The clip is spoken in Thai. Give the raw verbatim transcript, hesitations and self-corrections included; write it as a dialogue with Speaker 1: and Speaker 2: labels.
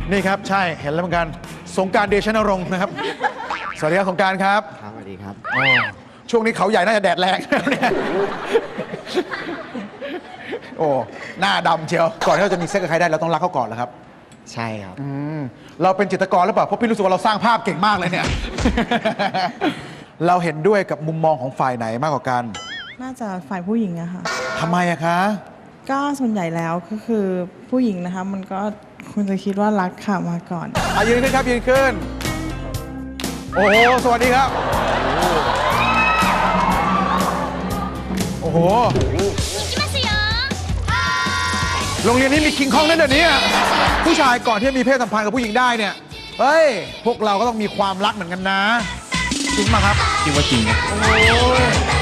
Speaker 1: นี่ครับใช่เห็นแล้วเหมือนกันสงกรานต์เดชนรงค์นะครับสวัสดีครับสงกรานต์ครับ
Speaker 2: ครับสวัสดีครับ
Speaker 1: โอ้ช่วงนี้เขาใหญ่น่าจะแดดแรงเนี่ยโอ้หน้าดำเชียวก่อนที่เราจะมีเซ็กกับใครได้เราต้องรักเขาก่อนแล้วครับ
Speaker 2: ใช่ครับ
Speaker 1: อืมเราเป็นจิตรกรหรือเปล่าเพราะพี่รู้สึกว่าเราสร้างภาพเก่งมากเลยเนี่ย เราเห็นด้วยกับมุมมองของฝ่ายไหนมากกว่ากัน
Speaker 3: น่าจะฝ่ายผู้หญิงอะค่ะ
Speaker 1: ทำไมอะคะ
Speaker 3: ก็ส่วนใหญ่แล้วก็คือผู้หญิงนะคะมันก็ควรจะคิดว่ารักค่ะมาก่อน
Speaker 1: อ่ะยืนขึ้นครับยืนขึ้นโอ้โหสวัสดีครับโอ้โหโรงเรียนนี้มีคิงคองนั่นเดี๋ยวนี้ผู้ชายก่อนที่จะมีเพศสัมพันธ์กับผู้หญิงได้เนี่ยเฮ้ยพวกเราก็ต้องมีความรักเหมือนกันนะจริงไหมครับ
Speaker 2: คิดว่าจริงนะ
Speaker 1: โอ้